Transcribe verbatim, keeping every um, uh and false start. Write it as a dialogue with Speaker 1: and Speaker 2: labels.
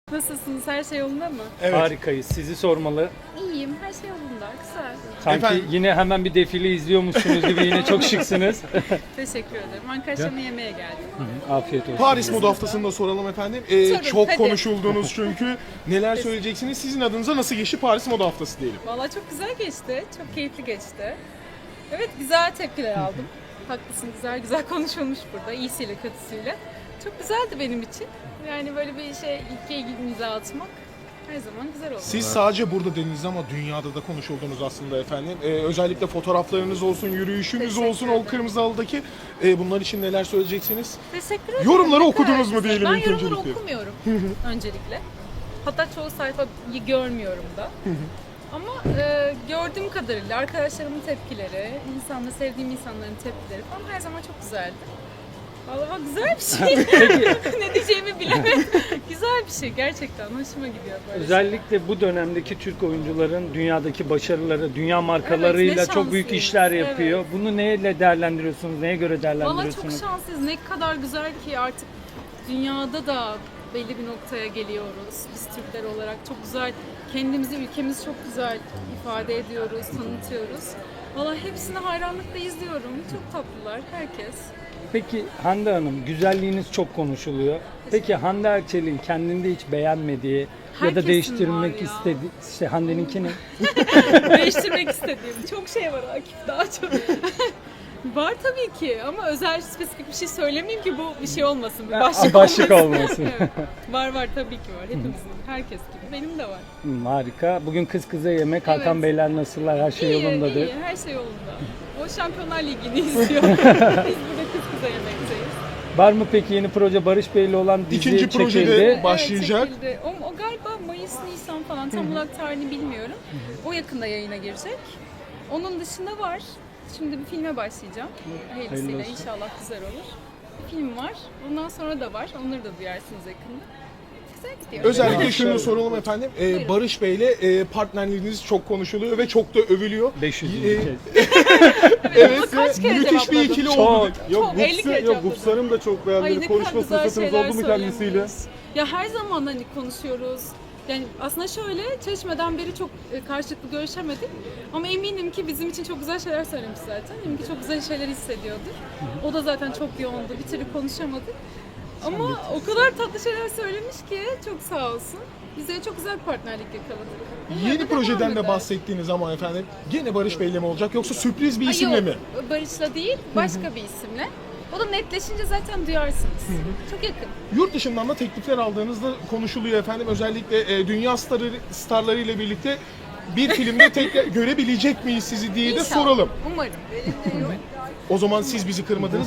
Speaker 1: Nasılsınız? Her şey yolunda mı?
Speaker 2: Evet.
Speaker 3: Harikayız. Sizi sormalı.
Speaker 1: İyiyim. Her şey yolunda. Güzel.
Speaker 3: Sanki
Speaker 2: Efendim?
Speaker 3: yine hemen bir defile izliyormuşsunuz gibi yine çok şıksınız.
Speaker 1: Teşekkür ederim. Ankara'ya yemeğe geldim.
Speaker 3: Afiyet olsun.
Speaker 2: Paris Moda Haftası'nda soralım efendim. Ee,
Speaker 1: Sorun,
Speaker 2: çok
Speaker 1: hadi.
Speaker 2: konuşuldunuz çünkü. Neler söyleyeceksiniz? Sizin adınıza nasıl geçti Paris Moda Haftası diyelim.
Speaker 1: Valla çok güzel geçti. Çok keyifli geçti. Evet, güzel tepkiler aldım. Haklısın, güzel güzel konuşulmuş burada. İyisiyle kötüsüyle. Çok güzeldi benim için. Yani böyle bir şey, ilke imza atmak her zaman güzel oldu.
Speaker 2: Siz sadece burada dediniz ama dünyada da konuşuldunuz aslında efendim. Ee, özellikle fotoğraflarınız olsun, yürüyüşünüz
Speaker 1: Teşekkür
Speaker 2: olsun, o
Speaker 1: ederim.
Speaker 2: kırmızı halıdaki. Ee, bunlar için neler söyleyeceksiniz?
Speaker 1: Teşekkür ederim.
Speaker 2: Yorumları
Speaker 1: Ne kadar
Speaker 2: okudunuz mu
Speaker 1: güzel.
Speaker 2: diyelim
Speaker 1: Ben
Speaker 2: ilk
Speaker 1: yorumları
Speaker 2: öncelikle.
Speaker 1: okumuyorum öncelikle. Hatta çoğu sayfayı görmüyorum da. Ama e, gördüğüm kadarıyla arkadaşlarımın tepkileri, insanla sevdiğim insanların tepkileri falan her zaman çok güzeldi. Vallahi güzel bir şey. Ne diyeceğimi bilemedim. Güzel bir şey gerçekten. Hoşuma gidiyor böyle.
Speaker 3: Özellikle bu dönemdeki Türk oyuncuların dünyadaki başarıları, dünya markalarıyla
Speaker 1: Evet, ne
Speaker 3: çok büyük
Speaker 1: şanslıyız.
Speaker 3: işler yapıyor.
Speaker 1: Evet.
Speaker 3: Bunu neyle değerlendiriyorsunuz? Neye göre
Speaker 1: Valla
Speaker 3: değerlendiriyorsunuz?
Speaker 1: çok şanslıyız. Ne kadar güzel ki artık dünyada da belli bir noktaya geliyoruz. Biz Türkler olarak çok güzel, kendimizi, ülkemizi çok güzel ifade ediyoruz, tanıtıyoruz. Valla hepsini hayranlıkla izliyorum. Çok tatlılar, herkes.
Speaker 3: Peki Hande Hanım, güzelliğiniz çok konuşuluyor. Peki Hande Erçel'in kendinde hiç beğenmediği ya
Speaker 1: Herkesin
Speaker 3: da
Speaker 1: var
Speaker 3: değiştirmek
Speaker 1: ya.
Speaker 3: istediği, işte Hande'ninki ne?
Speaker 1: Değiştirmek istediğim çok şey var Akif, daha çok. Var tabii ki ama özel spesifik bir şey söylemeyeyim ki bu bir şey olmasın, bir başlık,
Speaker 3: Başlık
Speaker 1: olmasın.
Speaker 3: olmasın.
Speaker 1: Evet. Var var tabii ki var, hepimizin, herkes gibi, benim de var.
Speaker 3: Hmm, harika. Bugün kız kıza yemek. Hakan
Speaker 1: Evet.
Speaker 3: Beyler nasıllar? Her şey
Speaker 1: İyi,
Speaker 3: yolundadır.
Speaker 1: iyi, her şey yolunda. O Şampiyonlar Ligi'ni izliyor. Biz burada kız kıza yemekteyiz.
Speaker 3: Var mı peki yeni proje Barış Bey'le olan dizi
Speaker 2: İkinci projede
Speaker 3: çekildi?
Speaker 2: başlayacak.
Speaker 1: Evet, çekildi. O, o galiba Mayıs, Nisan falan, tam olarak tarihini bilmiyorum. O yakında yayına girecek. Onun dışında var. Şimdi bir filme başlayacağım. Hayırlısıyla
Speaker 3: Hayırlı olsun.
Speaker 1: inşallah güzel olur. Bir film var. Ondan sonra da var. Onları da duyarsınız yakında. Güzel gidiyor.
Speaker 2: Özellikle şunu soralım efendim. Ee,
Speaker 1: Buyurun.
Speaker 2: Barış Bey'le e, partnerliğiniz çok konuşuluyor ve çok da övülüyor.
Speaker 3: beş yüz.
Speaker 2: Ee,
Speaker 3: kez.
Speaker 2: Evet,
Speaker 1: kaç kere
Speaker 2: müthiş bir
Speaker 1: cevapladım?
Speaker 2: ikili
Speaker 3: Çok.
Speaker 2: oldu.
Speaker 1: Çok, elli kere
Speaker 4: Yok
Speaker 1: cevapladım.
Speaker 4: Gupsar'ım da çok
Speaker 1: Ay,
Speaker 4: beğendi.
Speaker 1: ne
Speaker 4: Konuşma
Speaker 1: kadar güzel
Speaker 4: fırsatınız
Speaker 1: şeyler
Speaker 4: oldu mu kendisiyle?
Speaker 1: söylemiş. Ya her zaman hani konuşuyoruz. Yani aslında şöyle, çeşmeden beri çok e, karşılıklı görüşemedik. Ama eminim ki bizim için çok güzel şeyler söylemiş zaten. Eminim ki çok güzel şeyler hissediyordur. O da zaten çok yoğundu. Bir türlü konuşamadık. Ama o kadar tatlı şeyler söylemiş ki çok sağ olsun. Bize çok güzel bir partnerlik yakaladık. Umarım
Speaker 2: Yeni
Speaker 1: devam
Speaker 2: projeden de
Speaker 1: eder.
Speaker 2: bahsettiğiniz ama efendim gene Barış Bey'le mi olacak yoksa sürpriz bir
Speaker 1: Ay
Speaker 2: isimle
Speaker 1: yok,
Speaker 2: mi?
Speaker 1: Barış'la değil, başka bir isimle. O da netleşince zaten duyarsınız. Çok yakın.
Speaker 2: Yurt dışından da teklifler aldığınızda konuşuluyor efendim. Özellikle e, dünya starları, starları ile birlikte bir filmde tekrar görebilecek miyiz sizi diye de
Speaker 1: İnşallah.
Speaker 2: soralım.
Speaker 1: Umarım.
Speaker 2: O zaman siz bizi kırmadınız.